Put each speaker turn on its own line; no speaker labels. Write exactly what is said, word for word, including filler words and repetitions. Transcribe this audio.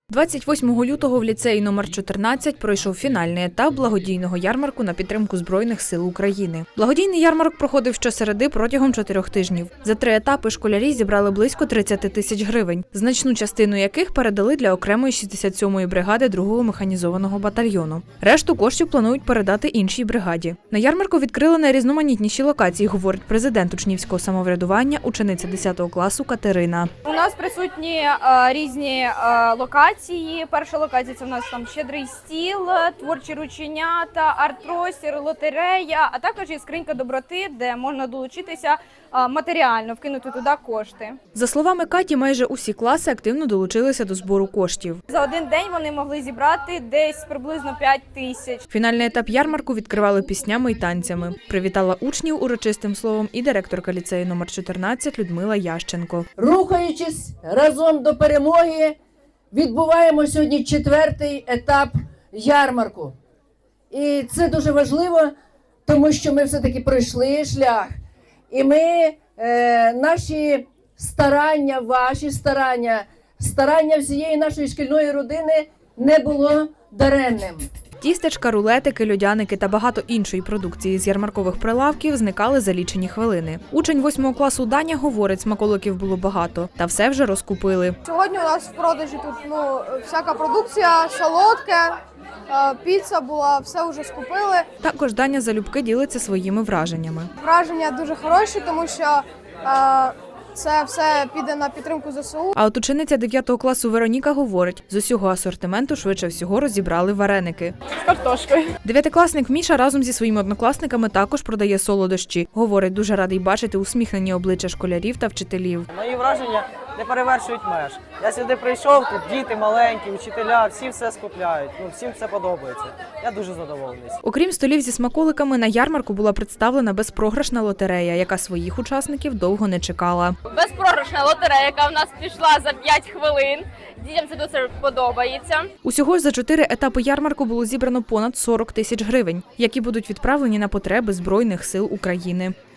двадцять восьмого лютого в ліцеї номер чотирнадцять пройшов фінальний етап благодійного ярмарку на підтримку Збройних сил України. Благодійний ярмарок проходив щосереди протягом чотирьох тижнів. За три етапи школярі зібрали близько тридцяти тисяч гривень, значну частину яких передали для окремої шістдесят сьомої бригади другого механізованого батальйону. Решту коштів планують передати іншій бригаді. На ярмарку відкрили найрізноманітніші локації, говорить президент учнівського самоврядування, учениця десятого класу Катерина.
У нас присутні е, різні е, локації. Перша локація – це у нас там щедрий стіл, творчі рученята, арт-простір, лотерея, а також є скринька доброти, де можна долучитися е, матеріально, вкинути туди кошти.
За словами Каті, майже усі класи активно долучилися до збору коштів.
За один день вони могли зібрати десь приблизно п'ять тисяч.
Фінальний етап ярмарку відкривали піснями і танцями. Привітала учнів урочистим словом і директорка ліцею номер чотирнадцять Людмила Ященко.
Рухаючись разом до перемоги, відбуваємо сьогодні четвертий етап ярмарку. І це дуже важливо, тому що ми все-таки пройшли шлях. І ми, е, наші старання, ваші старання, старання всієї нашої шкільної родини не було даремним.
Тістечка, рулетики, льодяники та багато іншої продукції з ярмаркових прилавків зникали за лічені хвилини. Учень восьмого класу Даня говорить, смаколиків було багато, та все вже розкупили.
Сьогодні у нас в продажі тут ну, всяка продукція, солодке, піца була, все вже скупили.
Також Даня залюбки ділиться своїми враженнями.
Враження дуже хороші, тому що е, це все піде на підтримку зе се у.
А от учениця дев'ятого класу Вероніка говорить, з усього асортименту швидше всього розібрали вареники.
З картошкою.
Дев'ятикласник Міша разом зі своїми однокласниками також продає солодощі. Говорить, дуже радий бачити усміхнені обличчя школярів та вчителів.
Мої враження не перевершують меж. Я сюди прийшов, тут діти маленькі, вчителя, всі все скупляють. Ну, всім це подобається. Я дуже задоволений.
Окрім столів зі смаколиками, на ярмарку була представлена безпрограшна лотерея, яка своїх учасників довго не чекала.
Безпрограшна лотерея, яка в нас пішла за п'ять хвилин. Дітям це дуже подобається.
Усього ж за чотири етапи ярмарку було зібрано понад сорок тисяч гривень, які будуть відправлені на потреби Збройних сил України.